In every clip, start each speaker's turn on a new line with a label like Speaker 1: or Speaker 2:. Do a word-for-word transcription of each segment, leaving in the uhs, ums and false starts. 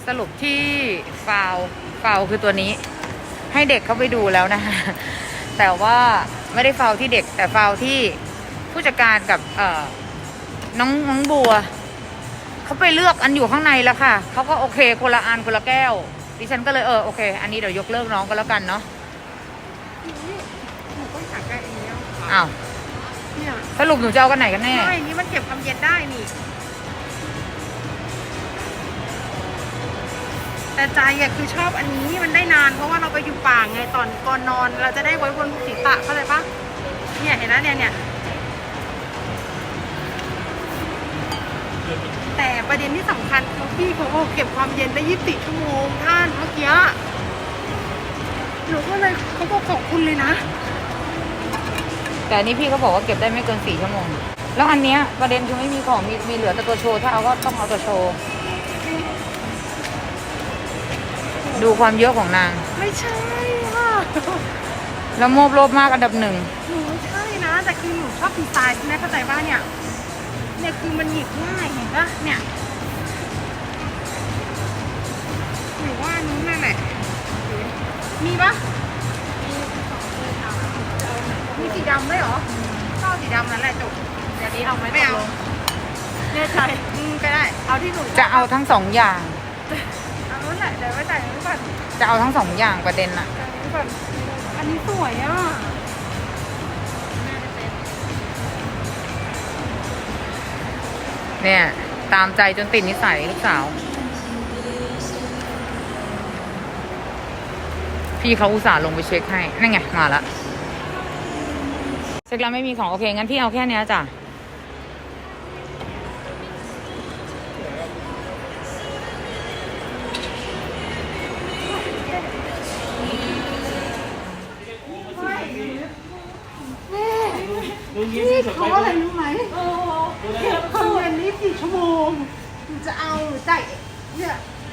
Speaker 1: สรุปที่ฟาวฟาวคือตัวนี้ให้เด็กเขาไปดูแล้วนะคะแต่ว่าไม่ได้ฟาวที่เด็กแต่ฟาวที่ผู้จัดการกับเอ่อน้องน้องบัวเขาไปเลือกอันอยู่ข้างในแล้วค่ะเขาก็โอเคคนละอันคนละแก้วดิฉันก็เลยเออโอเคอันนี้เดี๋ยวยกเลิกน้องก็แล้วกันเนาะ
Speaker 2: หนูก็อยากได้อันนี้
Speaker 1: อ้าว
Speaker 2: เนี่ย
Speaker 1: สรุปหนูจะเอากันไหนกันแน่
Speaker 2: ใช่นี่มันเก็บความเย็นได้นี่แต่ใจอะคือชอบอันนี้มันได้นานเพราะว่าเราไปอยู่ป่าไงตอนก่อนนอนเราจะได้ไว้บนศีรษะเข้าใจปะเนี่ยเห็นไหมเนี่ยเนี่ยแต่ประเด็นที่สำคัญคือพี่เขาบอกเก็บความเย็นได้ยี่สิบสี่ชั่วโมงท่านเมื่อกี้หนูก็เลยเขาบอกขอบคุณเลยนะ
Speaker 1: แต่อันนี้พี่เขาบอกว่าเก็บได้ไม่เกินสี่ชั่วโมงแล้วอันเนี้ยประเด็นคือไม่มีของมีมีเหลือแต่ตัวโชว์ถ้าเอาก็ต้องเอาตัวโชว์ดูความเยอะของนาง
Speaker 2: ไม่ใช่ค่ะ
Speaker 1: แล้วโมบโลภมากอันดับหนึ่ง
Speaker 2: หนูไม่ใช่นะแต่คือหนูชอบดีไซน์ใช่ไหมเข้าใจป่ะเนี่ยเนี่ยคือมันหยิบง่ายเห็นปะเนี่ยหรือว่านู้นนั่นแหละมีปะมีสีดำไหมหรอก็เอาสีดำนั่นแหละจบเดี๋ยวนี้เอาไหมไม่เอาเนี่ยใช่อืมก็ได้เอาที่หนู
Speaker 1: จะเอาทั้งสองอย่าง
Speaker 2: เอานู้นแหละเดี๋ยวไว้แต่งนี้ก่อน
Speaker 1: จะเอาทั้งสองอย่างประเด็นอะ
Speaker 2: อันนี้สวยอ่ะ
Speaker 1: เนี่ยตามใจจนติดนิสัยลูกสาวพี่เขาอุตส่าห์ลงไปเช็คให้นั่นไงมาละเช็คแล้วไม่มีของโอเคงั้นพี่เอาแค่นี้จ้ะ
Speaker 2: นี่เขาอะไรรู้ไหมเก็บความเย็นนี่สี่ชั่วโมงจะเอาหรือจ่ายเนี่ย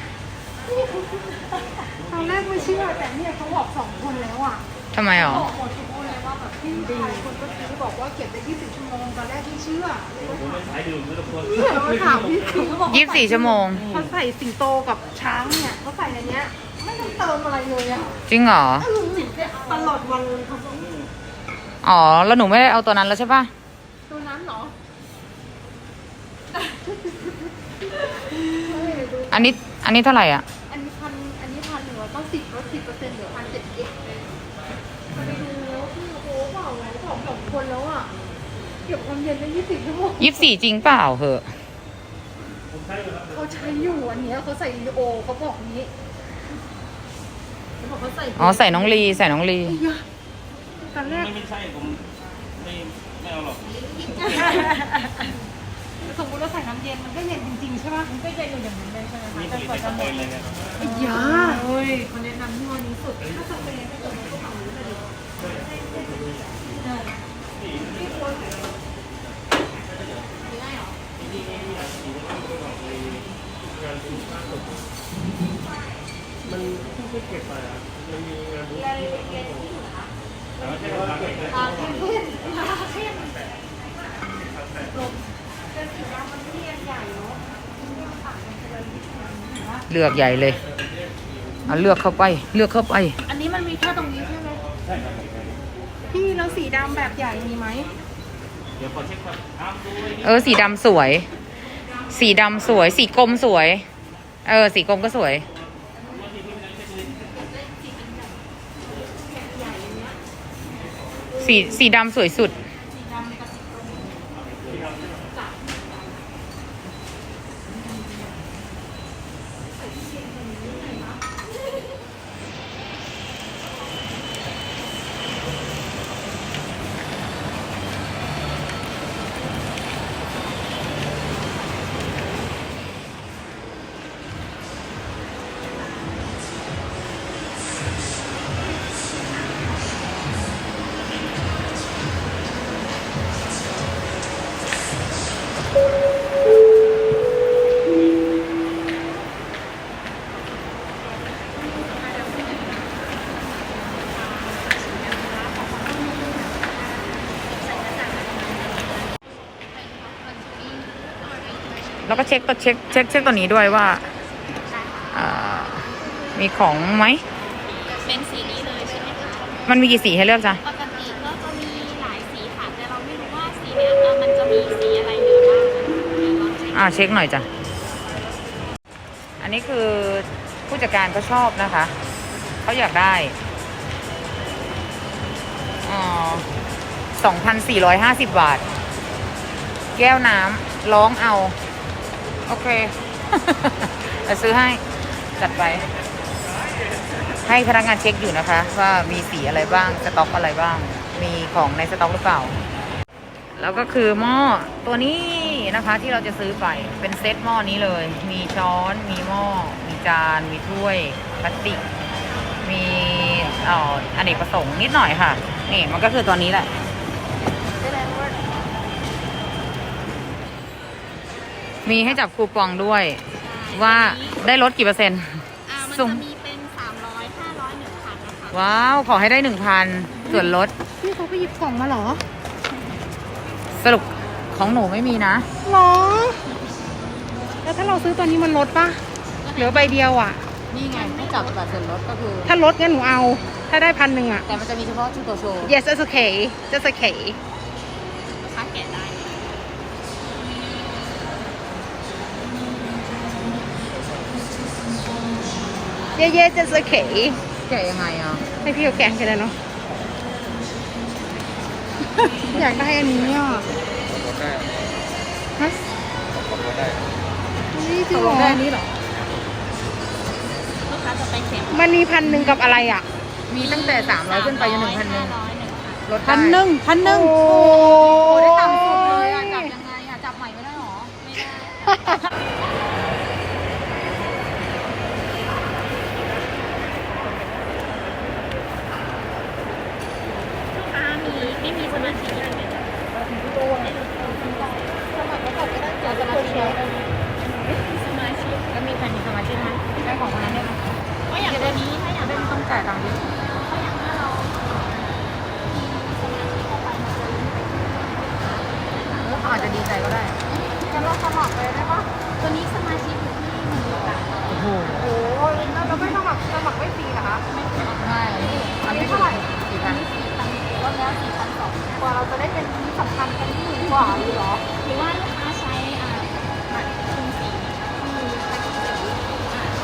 Speaker 2: ตอนแรกไม่เชื่อแต่เนี่ยเขาบอกสองคนแล้วอ่ะ
Speaker 1: ทำไมหรอ
Speaker 2: บอกหมดทุกคนเลยว่าแบบพี่ดีคนก็คือบอกว่าเก็บได้ยี่สิบชั่วโมงตอนแรกไม่เชื่อเนี่ยเราถามพี่คือเขาบอก
Speaker 1: ยี่สิบสี่ชั่วโมง
Speaker 2: เขาใส่สิงโตกับช้างเนี่ยเขาใส่ในเนี้ยไม่ต้องเติมอะไรเลยอ่ะ
Speaker 1: จริงเหรอ
Speaker 2: ตลอดวันเลยเขาบอก
Speaker 1: อ๋อแล้วหนูไม่ได้เอาตัวนั้นแล้วใช่ปะ
Speaker 2: ตัวนั้นเหรอ
Speaker 1: อันนี้อันนี้เท่าไหร่อ่ะ
Speaker 2: อันนี้พันอันนี้พันหนึ่งร้อยเก้าสิบลดสิบเปอร์เซ็นต์เหลือพันเจ็ดสิบไปดูแล้วพี่โอ้เปล่าไงสองสองคนแล้วอ่ะเก็บความเย็นได้ยี่สิบชั่วโมง
Speaker 1: ยี่สิบสี่จริงเปล่าเหอะ
Speaker 2: เขาใช้อยู่อันเนี้ยเขาใส่โอเขาบอกนี้เขาบอกเขาใส่
Speaker 1: อ๋อใส่น้องลีใส่น้องลี
Speaker 2: ตอนแรก
Speaker 3: ไม่ใช่ผมไม่ไม่เอาหรอก
Speaker 2: สมมติเราใส่น้ำเย็นมันก็เย็นจริงๆใช่ป่ะมันก็เย็นอยู่อย่างนั้นเลยใช่ไหมคะ
Speaker 3: แต่ก่อนจะหมดเลย
Speaker 2: ไอ้ยาเฮ้ยคนแนะนำที่วันนี้สุดถ้าสเปรย์ให้ตัวนี้ก็ฝั่งนี้เลย
Speaker 3: มันไม่เก็บไปอ่ะมันมีงานบุญที่มันต้องลงแต่ว่าแค่ว่าเก็บ
Speaker 2: อาเข้มเข้มเข้มลงเป็นสีดำมันเรียนใหญ่เนาะ
Speaker 1: เลือกใหญ่เลยเอาเลือกเข้าไปเลือกเข้าไป
Speaker 2: อันนี้มันมีแค่ตรงนี้ใช่ไหมใช่ครับพี่แล้วสีดำแบบใหญ่มีไหม
Speaker 3: เดี๋ยวขอเช็คก่อน
Speaker 1: เออสีดำสวยสีดำสวยสีกลมสวยเออสีกลมก็สวยสีสีดำสวยสุดแล้วก็เช็คตัวเช็คเช็คเช็คตัวนี้ด้วยว่ามีของไหม
Speaker 2: เป็นสีนี้เลยใช่ไหมคะ
Speaker 1: มันมีกี่สีให้เลือกจ๊ะ
Speaker 2: ปกติก็จะมีหลายสีค่ะแต่เราไม่รู้ว่าสีเนี้ยเออมันจะมีสีอะไรเหลือบ้างเดี๋ยวลองเช็ค
Speaker 1: อ่าเช็คหน่อยจ้ะ อันนี้คือผู้จัดการก็ชอบนะคะ เขาอยากได้อ๋อสองพันสี่ร้อยห้าสิบบาท แก้วน้ำร้องเอา โอเค จะซื้อให้จัดไป ให้พนักงานเช็คอยู่นะคะ ว่ามีสีอะไรบ้าง สต็อกอะไรบ้าง มีของในสต็อกหรือเปล่า แล้วก็คือหม้อตัวนี้นะคะที่เราจะซื้อไปเป็นเซตหม้อนี้เลย มีช้อน มีหม้อ มีจาน มีถ้วยพลาสติก มีเอ่ออเนกประสงค์นิดหน่อยค่ะ นี่มันก็คือตัวนี้แหละ มีให้จับคูปองด้วย ว่าได้ลดกี่เปอร์เซ็นต์
Speaker 2: อ่ามัน
Speaker 1: สุ่ม
Speaker 2: จะมีเป็นสามร้อยห้าร้อยหนึ่งพันนะคะ
Speaker 1: ว้าว ขอให้ได้หนึ่งพันส่วนลด
Speaker 2: พี่เขาไปหยิบกล่องมาเหรอ
Speaker 1: สรุปของหนูไม่มีนะ
Speaker 2: หรอแล้วถ้าเราซื้อตอนนี้มันลดปะเหลือใบเดียวอ่ะ
Speaker 1: นี่ไงให้จับแบบส่วนลดก็คือ
Speaker 2: ถ้าลดงั้นหนูเอา ถ้าได้พันหนึ่งอ่ะ
Speaker 1: แต่มันจะมีเฉพาะชุดตัวโชว์
Speaker 2: yes that's okay that's okay
Speaker 1: ค่าแกะได้
Speaker 2: yeah yeah that's okay
Speaker 1: แกะยังไงอ่ะ
Speaker 2: ให้พี่เขาแกะกันเลยเนาะ อยากได้อันนี้อ่ะ
Speaker 3: ลดได้
Speaker 2: ฮะ
Speaker 3: ลดได้
Speaker 2: นี่จริงเหรอ
Speaker 1: ได้นี้เหรอ
Speaker 2: ลูกค้าจะไปเข็มมันมีพันหนึ่งกับอะไรอ่ะ
Speaker 1: มีตั้งแต่สามร้อยขึ้นไปจนถึงพันหนึ่งลดได้
Speaker 2: พันหนึ่งพันหนึ่ง
Speaker 1: โอ้
Speaker 2: โอ้
Speaker 1: โหได้ต่ำสุดเลยอ่ะ จับยังไงอ่ะ จับใหม่ไม่ได้หรอ ไม่ได้
Speaker 2: อ่ามีไม่มีสมาชิกเลยไหมจ๊ะสมัครแล้วก็ได้เจอสมาชิกสมาชิก
Speaker 1: แล้วมีใครมีสมาชิกไหมได้ของคนนั้นได้ไหม
Speaker 2: ก็อย่างตัวนี้ถ้าอย่าง
Speaker 1: ไม่ต้องจ่ายตังค์ดิ
Speaker 2: ถ้าอย่างถ้าเรามีสมาชิกเข้าไปมันจะ
Speaker 1: เขาอาจจะดีใจก็ได้
Speaker 2: จะเราสมัครเลยได้ปะตัวนี้สมาชิกอยู่ที่หนึ่งบาท
Speaker 1: โอ้โห
Speaker 2: โอ้ยแล้วเราไม่สมัครสมัครไม่ฟรีเหรอคะไม่ฟรี
Speaker 1: ไม่อันนี้
Speaker 2: เท่าไหร่
Speaker 1: สี่พัน
Speaker 2: สี่พันลดแล้วสี่พันสองกว่าเราจะได้เป็นที่สำคัญกันที่หนึ่งกว่าหรือหรอหรือว่าลูกค้าใช้อ่าบัตรกรุงศรีที่แพ็คเกจสีอ่า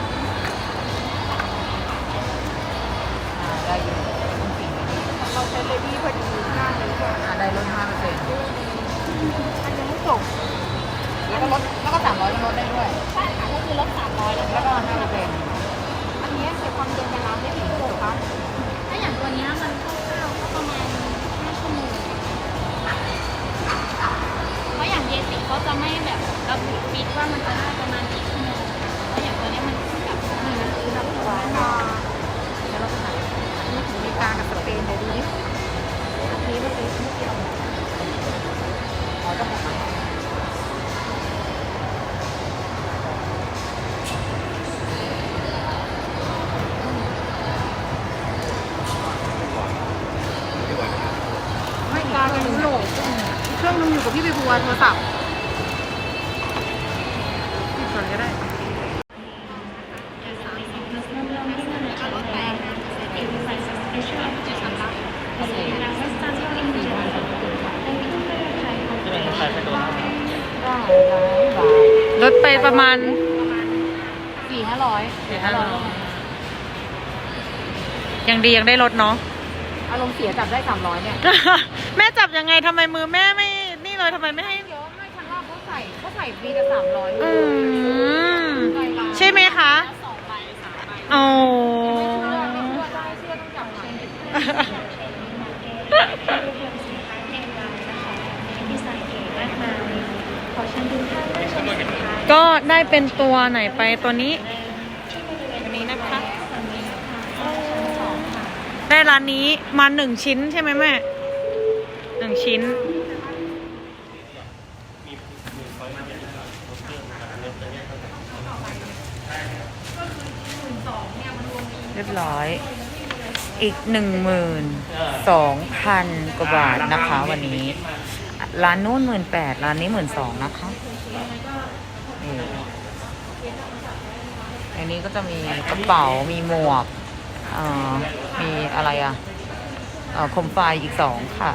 Speaker 1: อ่าได้อยู่ต้องสี่
Speaker 2: เราใช้เลดี้พอดีมากเลยค่ะ
Speaker 1: อ่าได้ลดห้าเปอร์เซ็นต์
Speaker 2: อันยังไม่จบ
Speaker 1: แล้วก็ลดแล้วก็สามร้อยก็ลดได้ด้วย
Speaker 2: ใช่ค่ะก็คือลดสามร้อยแล้ว
Speaker 1: แล้วก็ห้าเปอร์เซ็นต์
Speaker 2: อันนี้เก็บความเย็นในร้านได้กี่ชั่วโมงคะถ้าอย่างตัวนี้มันคร่าวๆก็ประมาณห้าชั่วโมงเพราะอย่างเยติเขาจะไม่แบบระบุฟิกว่ามันจะได้ประมาณกี่ชั่วโมงเพราะอย่างตัวนี้มันแบบมันคือแบบว่า
Speaker 1: เดี๋ยวเราไปหานี่ถึงอเมริกากับสเปนเดี๋ยวดูดิ
Speaker 2: อันนี้ก็คือไม่เกี่ยว
Speaker 1: อ๋อเจ้าของร้าน
Speaker 2: ไม่การเป็นโหลดเครื่องนึงอยู่กับพี่ใบบัวโทรศัพท์ปิดก่อนก็ได้
Speaker 1: ลดไปประมาณ
Speaker 2: สี่ห้าร้อย
Speaker 1: สี่ห้าร้อยยังดียังได้ลดเนาะ
Speaker 2: อารมณ์เสียจับได้สามร้อยเนี่ย
Speaker 1: แม่จับยังไงทำไมมือแม่ไม่นี่เลยทำไมไม่ให้
Speaker 2: เดี๋ยวไม่ครั้งแรกเขาใส่เขาใส่ฟรีแต่สามร้อย
Speaker 1: อืมใช่ไหมคะโอ้
Speaker 2: ไม่เชื่อได้เชื่อต้องจับใหม่
Speaker 1: ก็ได้เป็นตัวไหนไปตัวนี้ตัวนี้นะคะ ได้ร้านนี้มาหนึ่งชิ้นใช่ไหมแม่หนึ่งชิ้น เรียบร้อย อีกหนึ่งหมื่นสองพันกว่าบาทนะคะวันนี้ ร้านนู้นหมื่นแปดร้านนี้หมื่นสองนะคะนี่อันนี้ก็จะมีกระเป๋ามีหมวกเอ่อมีอะไรอ่ะเอ่อโคมไฟอีกสองค่ะ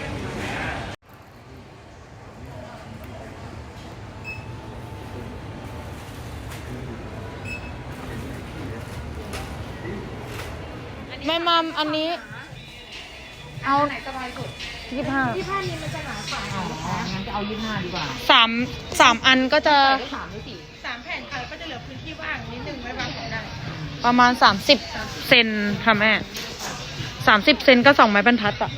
Speaker 1: แม่มัมอันนี้ เอา
Speaker 2: ไหนสบายสุด
Speaker 1: ยี่ห้า
Speaker 2: ยี่ห้านี้มันจะหนากว่า
Speaker 1: อ๋อ
Speaker 2: ค่ะ
Speaker 1: งั้นจะเอายี่ห้าดีกว่า
Speaker 4: สามสามอันก็จะ
Speaker 1: สามหรือสี่
Speaker 2: สามแผ่นค่ะแล้วก็จะเหลือพื้นที่ว่างนิดนึงไว้วางของได้
Speaker 4: ประมาณสามสิบเซนค่ะแม่สามสิบเซนก็สองไม้บรรทัดอะ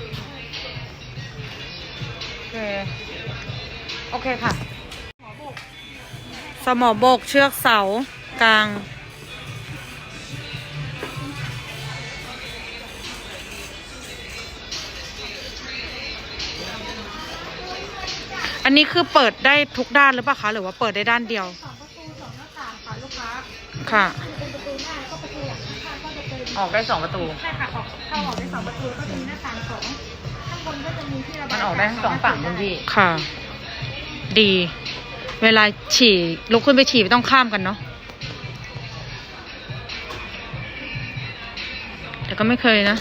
Speaker 1: โอเค โอเคค่ะ
Speaker 4: สมอบกเชือกเสากลาง อันนี้คือเปิดได้ทุกด้านหรือเปล่าคะ หรือว่าเปิดได้ด้านเดียว
Speaker 2: สองประตูสองหน้าต่างค่ะลูกค้า
Speaker 4: ค่ะ
Speaker 2: เป็นประตูหน้าก็ประตูหลังข้างก็จะเป็น
Speaker 1: ออกได้สองประตู
Speaker 2: ใช่ค่ะออกเข้าออกได้สองประตูก็จะมีหน้าต่างสองข้างบนก็จะมีที่ระบาย
Speaker 1: มันออกได้ทั้งสองฝั่งคุณพี่
Speaker 4: ค่ะ ดี เวลาฉี่ลุกขึ้นไปฉี่ไม่ต้องข้ามกันเนาะแต่ก็ไม่เคยนะ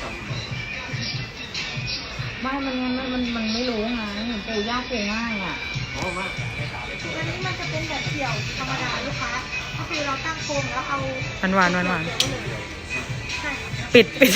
Speaker 1: ไม่ มันมันมันมันไม่รู้ไงปูยากปูง่ายอ่ะ
Speaker 3: อ๋อมา
Speaker 2: อันนี้มันจะเป็นแบบเดี่ยวธรรมดาลูกค้าก็คือเราตั้งโครงแล้วเอา
Speaker 4: หวานหวานหวานหวาน
Speaker 2: ใช่ค่ะ
Speaker 4: ปิดปิด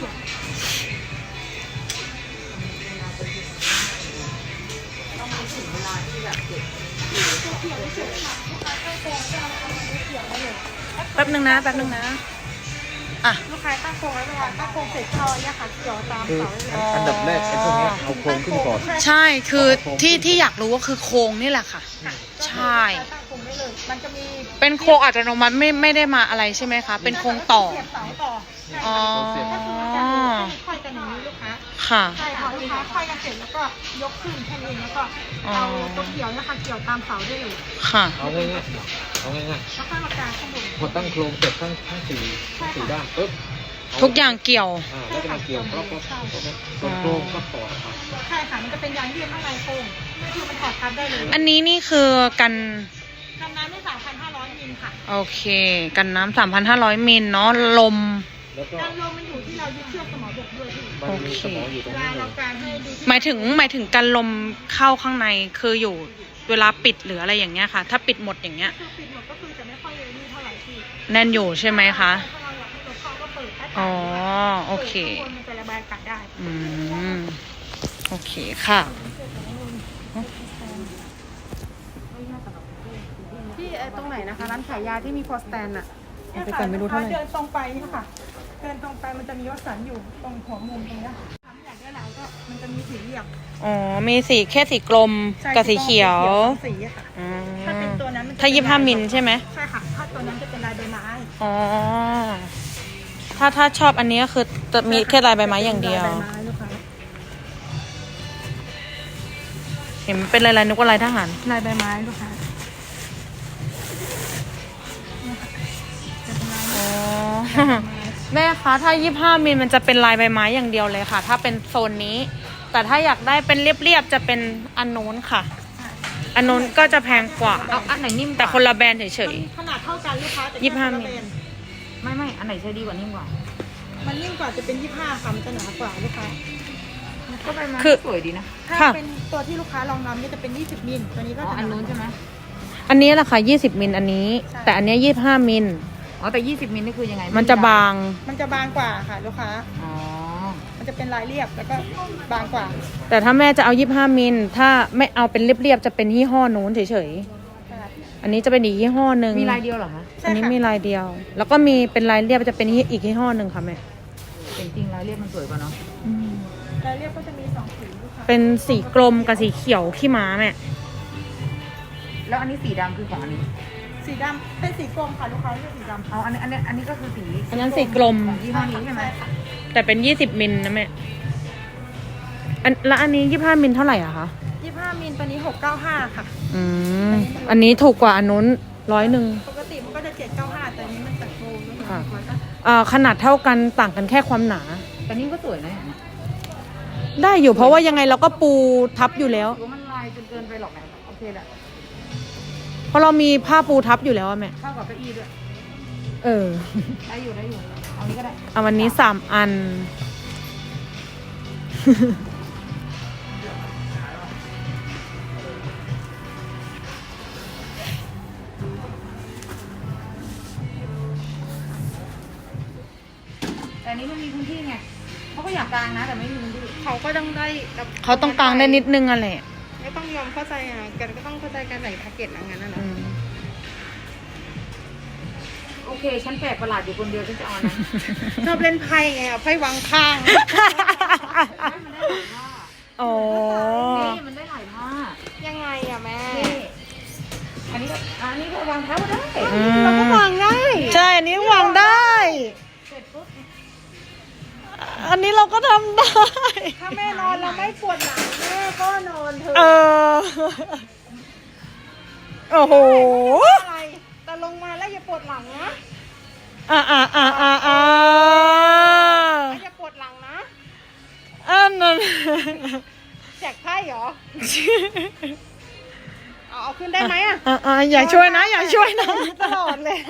Speaker 4: แป๊บนึงนะ แป๊บนึงนะ อ่ะ
Speaker 2: ลูกค้าตั้งโครงแล้วเวลาตั้งโครงเสร็จเขาเนี่ยค่ะเกี่ยวตาม
Speaker 3: คือ
Speaker 2: เสาเลย
Speaker 3: อันดับแรกไอ้พวกนี้เอาโครงขึ้นก่อน
Speaker 4: ใช่ คือที่ที่อยากรู้ก็คือโครงนี่แหละค่ะ ใช่
Speaker 2: ตั้งโครงได้เลยมันจะมี
Speaker 4: เป็นโครงอัตโนมัติไม่ไม่ได้มาอะไรใช่ไหมคะ เป็นโครงต่อ
Speaker 2: เสียบเสาต่อใช่
Speaker 4: อ๋อ
Speaker 2: ก็คือมันจะมีค่อยกันอย่างนี้ลูกค้า
Speaker 4: ค่ะ
Speaker 2: ใช่ค่ะลูกค้าค่อยกันเสร็จแล้วก็ยกขึ้นแค่นี้แล้วก็เอาตัวเกี่ยวเนะคะเกี่ยวตามเสาได้เลย
Speaker 4: ค่ะ
Speaker 3: เอาง่ายๆเอาง่าย
Speaker 2: แล้วก็มากางข้างบน
Speaker 3: ๆพอตั้งโครงเสร็จทั้งทั้งสี่สี่ด้านปุ๊บเ
Speaker 4: ทุกอย่างเกี่ยว
Speaker 3: อ่าแล้วก็มาเกี่ยวรอบๆส่วนโครงก็ต่อครับ
Speaker 2: ใช่ค่ะมันจะเป็นยางยืดข้างในโครงนี่คือมันถอดทับได้เลย
Speaker 4: อันนี้นี่คือกัน
Speaker 2: กันน้ำได้สามพันห้าร้อยมิลค่ะ
Speaker 4: โอเค กันน้ำสามพันห้าร้อยมิลเนาะ ลม
Speaker 3: แล้วก็
Speaker 2: การลมมันอยู่ที่เรายึดเชือกสมอบกด้วยพี่
Speaker 3: มันมีสมองอยู่ตร
Speaker 2: เว
Speaker 3: ง
Speaker 2: ลา
Speaker 3: นี้เล
Speaker 2: เรา
Speaker 3: ย
Speaker 2: การให้ดูที่
Speaker 4: หมายถึงหมายถึงกันลมเข้าข้างในคืออยู่เวลาปิดหรืออะไรอย่างเงี้ยค่ะ ถ้าปิดหมดอย่างเงี้ย
Speaker 2: คือปิดหมดก็คือจะไม่ค่อยนี่เท่าไหร่พี่
Speaker 4: แน่นอยู่ใช่ไหมคะ
Speaker 2: ถ้าเราอยากให้ลมเข้าก็เปิดถ้า
Speaker 4: อ๋อ โอเค
Speaker 2: ปิดข้างบนมันจะระบายอากาศได้
Speaker 4: อืม โอเคค่ะ
Speaker 2: ที่ไอ้ตรงไหนนะคะร้านขายยาที่มีพอสแตนอะ
Speaker 4: ไปก่อนไม่รู้เท่าไหร่
Speaker 2: เดินตรงไปนี่ค่ะ เดินตรงไปมันจะมีวัสันอยู่ตรงหัวมุมตรงเนี้ยค่ะถ้าอยากได้หลายก็มันจะมีสีเหลี่ยม
Speaker 4: อ๋อ มีสีแค่สีกลมกับสีเขียว
Speaker 2: สีอะค่ะ
Speaker 4: อืม
Speaker 2: ถ้าเป็นตัวนั้นมันจะ
Speaker 4: ถ้ายี่ห้ามิลใช่ไหม
Speaker 2: ใช่ค่ะ ถ้าตัวนั้นจะเป็นลายใบไม้
Speaker 4: อ๋อ ถ้าถ้าชอบอันนี้ก็คือจะมีแค่ลายใบไม้อย่างเดียว
Speaker 2: ลายใบไม้ลูกค้า
Speaker 4: เห็นเป็นลายๆนึกว่าลายทหาร
Speaker 2: ลายใบไม้ลูกค้า
Speaker 4: อ๋อ แม่คะถ้ายี่ห้ามิลมันจะเป็นลายใบไม้อย่างเดียวเลยค่ะ ถ้าเป็นโซนนี้ แต่ถ้าอยากได้เป็นเรียบๆจะเป็นอันนู้นค่ะ อันนู้นก็จะแพงกว่า
Speaker 1: เอาอันไหนนิ่มกว่า
Speaker 4: แต่คนละแบรนด์เฉย
Speaker 2: ขนาดเท่ากันลูกค้าแต่
Speaker 4: ยี่สิบห้า
Speaker 2: แค่คนละ
Speaker 4: มิล
Speaker 2: แบรนด์
Speaker 1: ไม่ไม่อันไหนใช้ดีกว่านิ่มกว่า
Speaker 2: มันยิ่งกว่าจะเป็นยี่ห้าค่ะมันจะหนากว่าลูกค้า
Speaker 1: ก็ไปมา
Speaker 4: คือ
Speaker 1: สวยดีนะ
Speaker 2: ถ้า
Speaker 4: ค่ะ
Speaker 2: เป็นตัวที่ลูกค้าลองนำนี่จะเป็นยี่สิบมิลตัวนี้ก็
Speaker 1: อ๋อ
Speaker 2: จะ
Speaker 1: อันนู้นใช่ไหม
Speaker 4: ๆ อันนี้แหละค่ะยี่สิบมิลอันนี้ แต่อันเนี้ยี่สิบห้ามิล
Speaker 1: อ๋อแต่ยี่สิบมิลนี่คือยังไง
Speaker 4: มันจะบาง
Speaker 2: มันจะบางกว่าค่ะลูกค้า
Speaker 1: อ๋อ
Speaker 2: มันจะเป็นลายเรียบแล้วก็บางกว่า
Speaker 4: แต่ถ้าแม่จะเอายี่สิบห้ามิล ถ้าไม่เอาเป็นเรียบๆจะเป็นยี่ห้อนู้นเฉยๆ อันนี้จะเป็นอีกยี่ห้อหนึ่ง
Speaker 1: มีลายเดียวเหรอคะ
Speaker 4: อันนี้มีลายเดียว แล้วก็มีเป็นลายเรียบจะเป็นอีกยี่ห้อหนึ่งค่ะแม่
Speaker 1: แต่จริงๆลายเรียบมันสวยกว่าเนาะ
Speaker 2: ลายเรียบก็จะมีสองสีลูกค้า
Speaker 4: เป็นสีกลมกับสีเขียวขี้ม้าแม่
Speaker 1: แล้วอันนี้สีดำคือของอันนี้
Speaker 2: สีดำเป็นสีกลมค่ะลูกค้าเรียกสีดำ
Speaker 1: อ๋ออันนี้อันนี้อันนี้ก็คือสี
Speaker 4: อันนั้นสีกลม
Speaker 1: ของยี่ห้อนี้ใช่ไหม
Speaker 2: ค่ะ
Speaker 4: แต่เป็นยี่สิบมิลนะแม่ อันแล้วอันนี้ยี่ห้ามิลเท่าไหร่อะคะ
Speaker 2: ยี่สิบห้ามิลตัวนี้หกเก้าห้าค่ะ
Speaker 4: อืม อันนี้ถูกกว่าอันนู้นร้อยหนึ่ง
Speaker 2: ปกติมันก็จะเจ็ดเก้าห้าแต่อันนี้มันจะโกลมลูกค้า
Speaker 4: ค่ะ อ่าขนาดเท่ากันต่างกันแค่ความหนา
Speaker 1: แต่นี่ก็สวยนะเนี่ย
Speaker 4: ได้อยู่เพราะว่ายังไงเราก็ปูทับอยู่แล้ว
Speaker 1: ถือว่ามันลายจนเกินไปหรอกนะโอเคแหละ
Speaker 4: เพราะเรามีผ้าปูทับอยู่แล้วอะแม่
Speaker 1: เข้ากับเก้าอี้ด้วย
Speaker 4: อ
Speaker 1: เออ
Speaker 2: ได้อยู่ได้อยู่เอานี้ก็ได้
Speaker 4: เอาวันนี้สามอัน
Speaker 1: แต่อันนี้มันมีพื้นที่ไงเขาก็อยากกลางนะแต่ไม่มีพื้นที่
Speaker 2: เขาก็ต้องได้
Speaker 4: เขาต้องกลางได้นิดนึงอะแหละ
Speaker 2: ไม่ต้องยอมเข้าใจอ่ะกันก็ต้องเข้าใจการใส่แพ็กเกจอะไรงั้นนะเนาะ
Speaker 4: อืม
Speaker 1: โอเค ฉันแปลกประหลาดอยู่คนเดียวฉันจะเอานะ
Speaker 2: ชอบเล่นไพ่ไงเอาไพ่วางข้าง
Speaker 1: มันได้หลายผ้า
Speaker 4: อ๋อ
Speaker 1: นี่มันได้หลายผ้า
Speaker 2: ยังไงอ่ะแม่
Speaker 1: นี่อันนี้ก็อันนี้ก็วางเท้าก็ได้
Speaker 4: อืม
Speaker 2: เราก็วางได้
Speaker 4: ใช่ อันนี้วางได้
Speaker 1: เสร็จปุ๊บ
Speaker 4: อันนี้เราก็ทำได้
Speaker 2: ถ้าแม่นอนเราไม่ปวดหลังแม่ก็นอนเถอะ
Speaker 4: เออ โอ้โห
Speaker 2: อะไรแต่ลงมาแล้วอย่าปวดหลังนะ
Speaker 4: อ่าอ่าอ่าอ่าอ่า
Speaker 2: อย่าปวดหลังนะ
Speaker 4: อันนั้น
Speaker 2: แจกไพ่เหรอเอาเอาขึ้นได้ไหมอ่ะ
Speaker 4: อ่าอ่าอย่าช่วยนะ อย่าช่วยนะ
Speaker 2: ตลอดเลย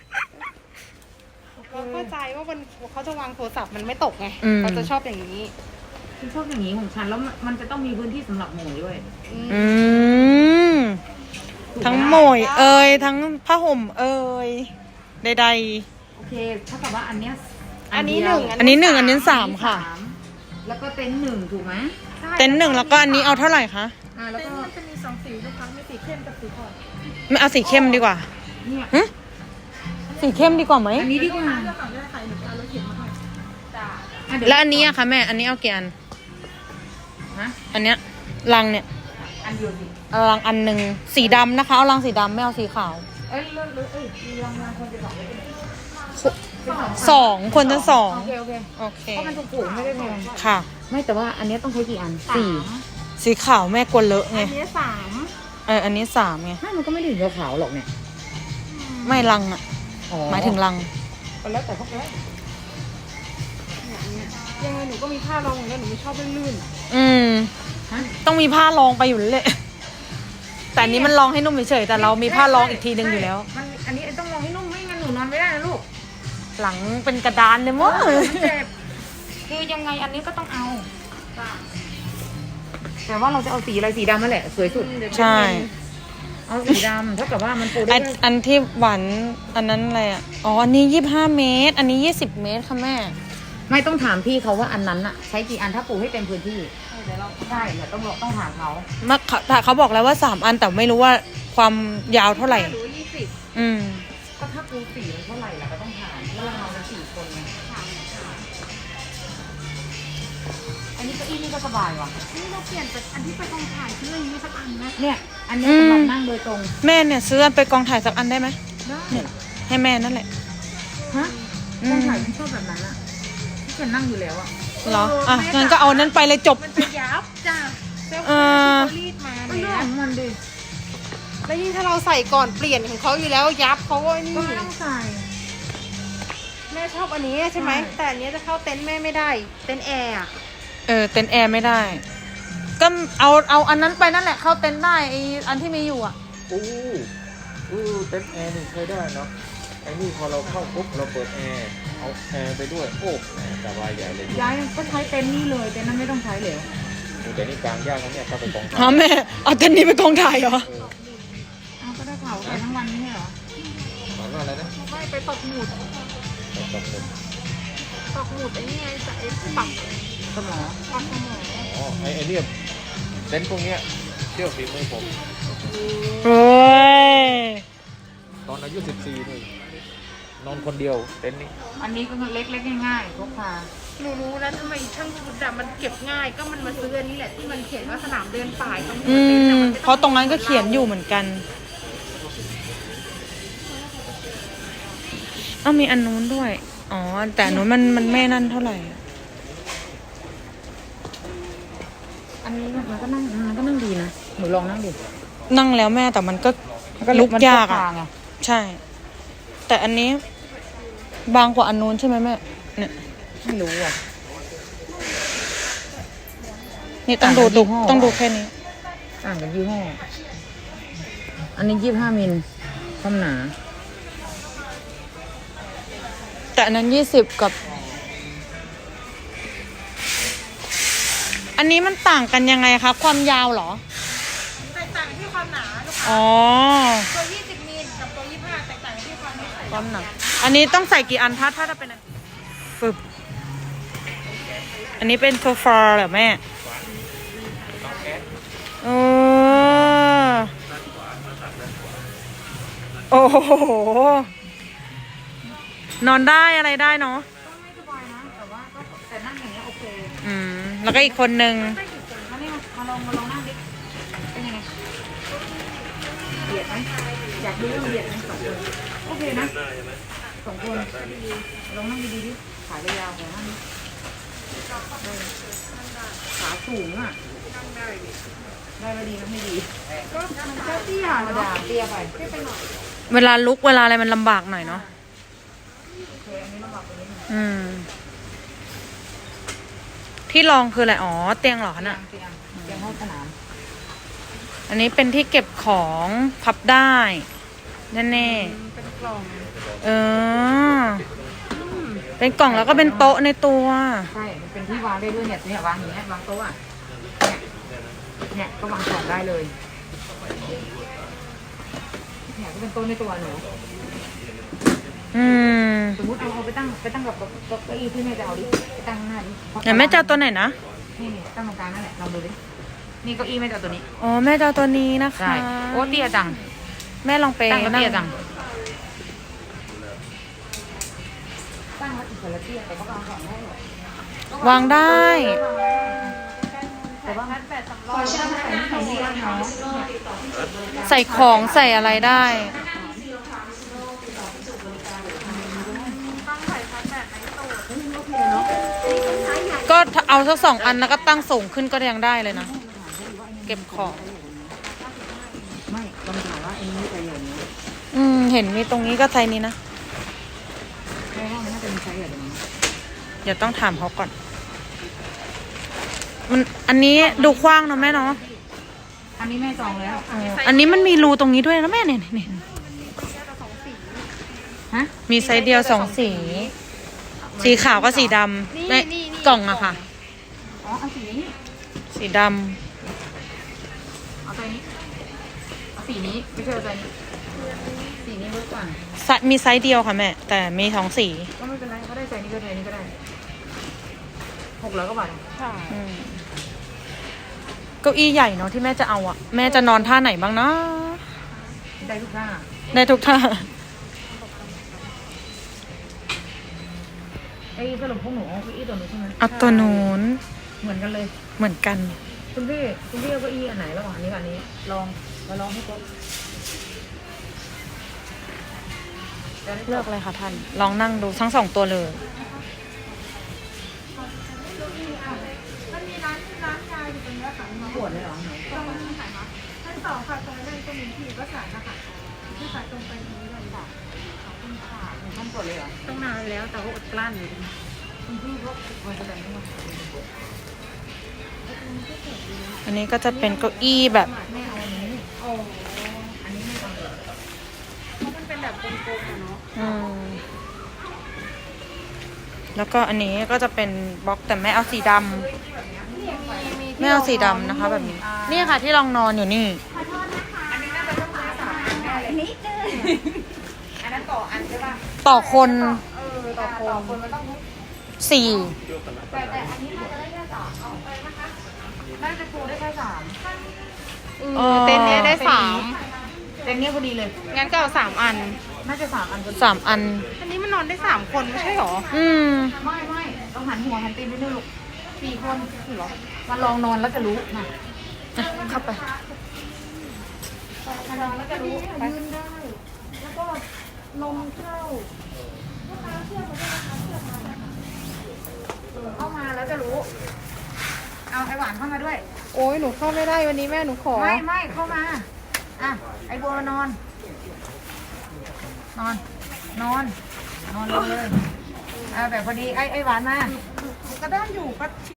Speaker 2: เราเข้าใจว่ามันเขาจะวางโทรศัพท์มันไม่ตกไง
Speaker 4: อืม
Speaker 2: เขาจะชอบอย่างนี้
Speaker 1: ฉันชอบอย่างนี้ของฉันแล้วมันมันจะต้องมีพื้นที่สำหรับหมูด้วย
Speaker 2: อืม
Speaker 4: อืม ทั้งโหมยเอ่ยทั้งผ้าห่มเอ่ยใด
Speaker 1: โอเคถ้ากับว่าอันเนี้ย
Speaker 2: อันนี้ห
Speaker 1: เดี
Speaker 2: นึ่
Speaker 1: ยว
Speaker 2: ง
Speaker 4: ๆ อันนี้หนึ่งอันนี้สามค่ะ
Speaker 1: สามแล้วก็เต็นท์หนึ่งถูกไหม
Speaker 4: เต็นท์หนึ่งแล้วก็อันนี้เอาเท่าไหร่คะ
Speaker 1: อ่าแล้ว
Speaker 2: เต้น
Speaker 1: ก็
Speaker 2: มันจะมีสองสีลูกค้ามีสีเข้มกับสีอ่อน
Speaker 4: ไม่เอาสีเข้มดีกว่า
Speaker 1: เนี่ย
Speaker 4: หึสีเข้มดีกว่าไหม
Speaker 1: อันนี้ดีกว่า
Speaker 2: เลือกเอาได้ใครหนูจะเอารถเข็นมาให้จ้า
Speaker 1: อ่ะเดี๋ยว
Speaker 4: แล้วอันนี้อะคะแม่ อันนี้เอากี่อัน
Speaker 1: ฮะ
Speaker 4: อันเนี้ยลังเนี่ย
Speaker 1: อันเดียวสิ
Speaker 4: เอาลังอันหนึ่งสีดำนะคะ เอาลังสีดำไม่เอาสีขาว
Speaker 1: เอ้ยเลือกเลือกเอ้ยมีรางวัลคนจะสองเลยเป็นเป็น
Speaker 4: สองคนจะสอง
Speaker 1: โอเคโอเค
Speaker 4: โอเค
Speaker 1: เพราะมันถูกๆไม่ได้แพง
Speaker 4: ค่ะ
Speaker 1: ไม่แต่ว่าอันเนี้ยต้องใช้กี่อันสี่
Speaker 4: สีขาวแม่กลัวเลอะไง
Speaker 2: อันนี้สาม
Speaker 4: เอออันนี้สามไง
Speaker 1: ไม่มันก็ไม่ถึงกับขาวหรอกเนี่ย
Speaker 4: ไม่ลังอะ
Speaker 1: อ๋อ
Speaker 4: หมายถึงลัง
Speaker 1: ก็แล้วแต่พวกแก
Speaker 2: ยังไงหนูก็มีผ้ารองอย่างนี้หนูไม่ชอบลื่น
Speaker 4: อืม
Speaker 1: ฮะ
Speaker 4: ต้องมีผ้ารองไปอยู่แล้วแหละแต่อันนี้มันรองให้นุ่มเฉยๆแต่เรามีผ้ารองอีกทีหนึ่งอยู่แล้ว
Speaker 1: มันอันนี้ต้องลองให้นุ่มไม่งั้นหนูนอนไม่ได้นะลูก
Speaker 4: หลังเป็นกระดานเลยมั้ง
Speaker 1: มันเจ็บคือยังไงอันนี้ก็ต้องเอา แต่ว่าเราจะเอาสีอะไรสีดำนั่นแหละสวยสุด
Speaker 4: ใช่
Speaker 1: เอาสีดำเท่ากับว่ามันปูได้
Speaker 4: อัน
Speaker 1: ด้วย
Speaker 4: อันที่หวานอันนั้นอะไรอ่ะ อ๋อ อันนี้ยี่สิบห้าเมตร อันนี้ยี่สิบเมตรค่ะแม่
Speaker 1: ไม่ต้องถามพี่เขาว่าอันนั้นอะใช้กี่อันถ้าปูให้เต็มพื้นที่เดี๋ยวเราใช่เดี๋ยวต้องต้องถามเขา
Speaker 4: มาเขาแต่เขาบอกแล้วว่าสามอันแต่ไม่รู้ว่าความยาวเท่าไหร่
Speaker 2: หรือยี่สิบ
Speaker 4: อืม
Speaker 1: ก็ถ้าปูสีมันเท่าไหร่ล่ะก็ต้องถามเพราะเรานอนกันสี่คนไงอันนี้เก้าอี้นี่ก็สบายว่ะ
Speaker 2: นี่เราเปลี่ยนจากอันที่ไปกองถ่ายซื้ออย่างนี้สักอันนะ
Speaker 1: เนี่ยอันนี้สำหรับนั่งโดยตรง
Speaker 4: แม่เนี่ยซื้ออันไปกองถ่ายสักอันได้ไหม
Speaker 1: ได้
Speaker 4: เนี่ยให้แม่นั่นแหละ
Speaker 1: ฮะ
Speaker 4: อืม
Speaker 1: ต้องถ่ายที่ชอบแบบนั้นอะที่ฉันนั่งอยู่แล้วอะ
Speaker 4: เหรอ อ่ะงั้นก็เอานั้นไปเลยจบ
Speaker 2: มันจะยับจ้าเซล
Speaker 4: เอ
Speaker 2: ฟี่
Speaker 4: อ
Speaker 2: ที่เขารีดมา
Speaker 1: ก็เรื่
Speaker 2: เนี่
Speaker 1: อง
Speaker 2: ย
Speaker 1: ของมันดิ
Speaker 2: แล้วยิ่งถ้าเราใส่ก่อนเปลี่ยนของเขาอยู่แล้วยับเขาก็นี่
Speaker 1: ก็ไม่ต้องใส่
Speaker 2: แม่ชอบอันนี้ใช่ไหม
Speaker 1: ใช่
Speaker 2: แต่อันนี้จะเข้าเต็นท์แม่ไม่ได้ เต็นท์แอร์อะ
Speaker 4: เออ เต็นท์แอร์ไม่ได้ ก็เอาเอาอันนั้นไปนั่นแหละ เข้าเต็นท์ได้ไออันที่มีอยู่อ่ะ
Speaker 3: อู้อู้เต็นท์แอร์นี่ใช้ได้เนาะไอ้นี่พอเราเข้าปุ๊บเราเปิดแอร์เอาแอร์ไปด้วยโอ้แหมสบายใหญ่เลย
Speaker 1: ย้ายก็ใช้เต็นท์นี่เลยเต็นท์นั้นไม่ต้องใช้เลย
Speaker 3: โอ้แต่นี่กลางยากนะเนี่ยถ้าไปกองถ่าย
Speaker 4: ฮะแม่ เอาเต็นท์นี้ไปกองถ่ายเหรอ
Speaker 3: เออ
Speaker 1: อ้าวก็ได้เผาใส่ทั้งวันนี่เหรอ
Speaker 3: หมายว่าอะไรนะ
Speaker 2: ไม่ไปตกหมุด
Speaker 3: ตกหมุด
Speaker 2: ตกหมุดไอ้นี่ไงจะไอ้ปัก
Speaker 1: สมอง
Speaker 2: ปักสมอง
Speaker 3: อ๋อไอ้ไอ้เนี่ยเต็นท์พวกเนี้ยเชื่อฝีมือผม
Speaker 4: โอ้ย
Speaker 3: ตอนอายุสิบสี่นี่นอนคนเดียวเต็นท์นี้
Speaker 1: อันนี้ก็เล็กๆง่ายๆพกพา
Speaker 2: หนูรู้แล้วทำไมช่างชุดอะมันเก็บง่ายก็มันมาซื้ออันนี้แหละที่มันเขียนว่าสนามเดินป่ายตรง
Speaker 4: อื
Speaker 2: เต็นท์
Speaker 4: ม
Speaker 2: อะมันไม่
Speaker 4: เพราะตรงนั้นก็เขียนอยู่เหมือนกันอ้าวมีอันนู้นด้วย อ๋อ แต่อันนู้นมันมันไม่นั่นเท่าไหร่
Speaker 1: อันนี้มันก็นั่งมันก็นั่งดีนะหนูลองนั่งดิ
Speaker 4: นั่งแล้วแม่แต่มันก็
Speaker 1: มันก็
Speaker 4: ลุกยาก
Speaker 1: มันพ
Speaker 4: อ่ะ
Speaker 1: พไง
Speaker 4: ใช่ แต่อันนี้ บางกว่าอันนู้นใช่ไหมแม่ เนี่ย
Speaker 1: ไม่รู้อ่ะ
Speaker 4: นี่ต้องดู
Speaker 1: ต่างกัน
Speaker 4: ดู
Speaker 1: ยี่ห้อ
Speaker 4: ต้องดูแค่นี้
Speaker 1: ต่างกันยี่ห้ออันนี้ยี่สิบห้ามิลความหนา
Speaker 4: แต่อันนั้นยี่สิบกับ อันนี้มันต่างกันยังไงคะ ความยาวเหรอ
Speaker 2: แตกต่างที่ความหนาลูกค้า
Speaker 4: อ๋อ
Speaker 2: ตัวยี่สิบมิลกับตัวยี่สิบห้าแตกต่างที่ความนิสัย
Speaker 4: ความหนักอันนี้ต้องใส่กี่อันถ้าถ้าจะเป็นอันฟึบอันนี้เป็นโซฟาเหรอแม่โอ้โอ้โห นอนได้อะไรได้เนาะ
Speaker 1: ก็ไม่สบายนะแต่ว่าก็แต่นั่งอย่างเงี้ยโอเค
Speaker 4: อืม แล้วก็อีกคนนึง
Speaker 1: ไม่ถึงคนเขาเนี่ยมาลองมาลองนั่งดิเป็นยังไงเบียดไหมอยากดูว่ามันเบียดไหมสองคนโอเคนะสองคนลองนั่งดีๆดิขายาวๆของนั่งดิขาสูงอ่ะได้ไม่ดีก็ไม่ดี
Speaker 2: ก็มันก็เตี้ย
Speaker 1: ธรรม
Speaker 2: เนาะ
Speaker 1: ดาเตี้ยไป
Speaker 2: เตี้ยไปหน่อย
Speaker 4: เวลาลุกเวลาอะไรมันลำบากหน่อยเนาะ
Speaker 1: โอเคอันนี้ลำบากกว่านี้หน่อย
Speaker 4: อืม ที่รองคืออะไร อ๋อ เตียงเหรอคะน่ะ
Speaker 1: เตียงเตียงห้องสนาม
Speaker 4: อันนี้เป็นที่เก็บของพับได้แน่
Speaker 2: เป็นกล่อง
Speaker 4: ๆเออ เป็นกล่องแล้วก็เป็นโต๊ะในตัว
Speaker 1: ใช่มันเป็นที่วางได้ด้วยเนี่ยเนี่ยวางอย่างเงี้ยวางโต๊ะอ่ะเนี่ยเนี่ยก็วางของได้เลยเนี่ยก็เป็นโต๊ะในตัวหนู
Speaker 4: อืม
Speaker 1: สมมติเอาเอาไปตั้งไปตั้งกับเก้าอี้ที่แม่จะเอาดิไปตั้งข้างหน้าดิ
Speaker 4: เดี๋ยวแม่จะเอาตัวไหนนะ
Speaker 1: นี่นี่ตั้งตรงกลางนั่นแหละลองดูดินี่เก้าอี้แม่จะเอาตัวนี้
Speaker 4: อ๋อ แม่จะเอาตัวนี้นะคะ
Speaker 1: ใช่โอ้เตี้ยจัง
Speaker 4: แม่ลองไป
Speaker 1: ตั้งแล้ว
Speaker 4: นั่ง
Speaker 1: เตี้ยจังตั้งแล้วอีกคนละเตี้ยแต่ก็วางของได้หรอ
Speaker 4: วางได้
Speaker 1: แต่ว่าแปดสำรองใช่ไหมใส่นี่ได้เนาะ
Speaker 4: ใส่ของใส่อะไรได้
Speaker 2: ต้องใส่พัดแบบในตู้
Speaker 4: ก็เอาสักสองอันแล้วก็ตั้งสูงขึ้นก็ยังได้เลยนะ เก็บของ
Speaker 1: ไม่ลองถามว่าอันนี้จะอย่างนี้
Speaker 4: อืม เห็นมีตรงนี้ก็ไซส์นี้นะ
Speaker 1: แม่ว่ามันน่าจะมีใช้อย่างนี้
Speaker 4: เดี๋ยวต้องถามเขาก่อน มัน อันนี้ดูกว้างเนอะแม่เนาะ
Speaker 1: อันนี้แม่จองแล้ว
Speaker 4: อ๋ออันนี้มันมีรูตรงนี้ด้วยนะแม่เนี่ยเนี่ย
Speaker 1: ฮะ
Speaker 4: มีไซส์เดียวสองสี สีขาวกับสีดำในกล่องอะค่ะ
Speaker 1: อ๋อเอาสีนี้
Speaker 4: สีด
Speaker 1: เอาตัวนี้เอาสีนี้ไม่ใช่เอาตัวนี้สีนี้เวิร์กกว่า
Speaker 4: ำไซส์มีไซส์เดียวค่ะแม่ แต่มีสองสี
Speaker 1: ก็ไม่เป็นไรเขาได้ใส่นี้ก็ได้นี้ก็ได้หกร้อยกว่าบาท
Speaker 2: ใช่
Speaker 4: อืมเก้าอี้ใหญ่เนาะที่แม่จะเอาอะแม่จะนอนท่าไหนบ้างนะ
Speaker 1: ได้ทุกหน้า
Speaker 4: ได้ทุกท่า
Speaker 1: ไอ้สรุปพวกหนูเอาเก้าอี้ตัวนู้นใช่ไหม
Speaker 4: เอาตัวนู้น
Speaker 1: เหมือนกันเลย
Speaker 4: เหมือนกัน
Speaker 1: คุณพี่คุณพี่เอาเก้าอี้อันไหนระหว่างอันนี้กับอันนี้ลองมาลองให้ครบ
Speaker 4: เลือกเลยค่ะท่าน ลองนั่งดูทั้งสองตัวเลย
Speaker 2: มันมีร้านร้านยาอยู่ตรงนี้ค่ะมา
Speaker 1: ปวดเลยเหรอ
Speaker 2: ตรงนี้ค่ะชั้นสองค่ะตรงนั้นก็มีที่ก็สารนะคะที่ขายตรงไปนี้เลยค่ะขอบคุณค่ะ
Speaker 1: ท่านปวดเลยเหรอ
Speaker 2: ต้องนานแล้วแต่ว่าอดกลั้น
Speaker 1: คุณพี่ก็มันจะแบบนี้มา
Speaker 4: อันนี้ก็จะเป็นเก้าอี้แบบ
Speaker 1: แม่เอาอันนี้
Speaker 2: โอ้
Speaker 1: อันนี้ไม่เอาเลย
Speaker 2: เพราะมันเป็นแบบกลมๆอะเนาะ
Speaker 4: อืมแล้วก็อันนี้ก็จะเป็นบล็อกแต่แม่เอาสีดำไม่เอาสีดำนะคะ แบบนี้ นี่ค่ะที่รองนอนอยู่นี่
Speaker 1: นิดนึงอันนั้นต่ออันใช่ป่ะ
Speaker 4: ต่อคน
Speaker 1: เออต่อคนต่อคนมันต้อง
Speaker 4: สี่
Speaker 1: แต่แต่อันนี้น่าจะได้แค่สามเอาไปนะคะน่าจะปูได้แค่สาม
Speaker 4: เออ
Speaker 2: เต็นท์เนี้ยได้สาม
Speaker 1: เต็นท์เนี้ยพอดีเลย
Speaker 2: งั้นก็เอาสามอัน
Speaker 1: น่าจะสามอันพอดี
Speaker 4: สามอัน
Speaker 2: อันนี้มันนอนได้สามคนไม่ใช่หรอ
Speaker 4: อืม
Speaker 1: ไม่ไม่ต้องหันหัวหันตีนไปด้วยลูกสี่คนเหรอมาลองนอนแล้วจะรู้มา
Speaker 4: เข้าไป
Speaker 1: มาลองแล้วจะรู้ไป
Speaker 2: ยืนได้ แล้วก็ลมเข้า
Speaker 1: เข้ามาแล้วจะรู้ เอาไอหวานเข้ามาด้วย
Speaker 2: โอ้ยหนูเข้าไม่ได้วันนี้แม่หนูขอ
Speaker 1: ไม่ไม่เข้ามา อ่ะ ไอบัวนอน นอน นอน นอนลงเลยเอาแบบพอดี ไอไอหวานมา
Speaker 2: ก็ได้อยู่ก็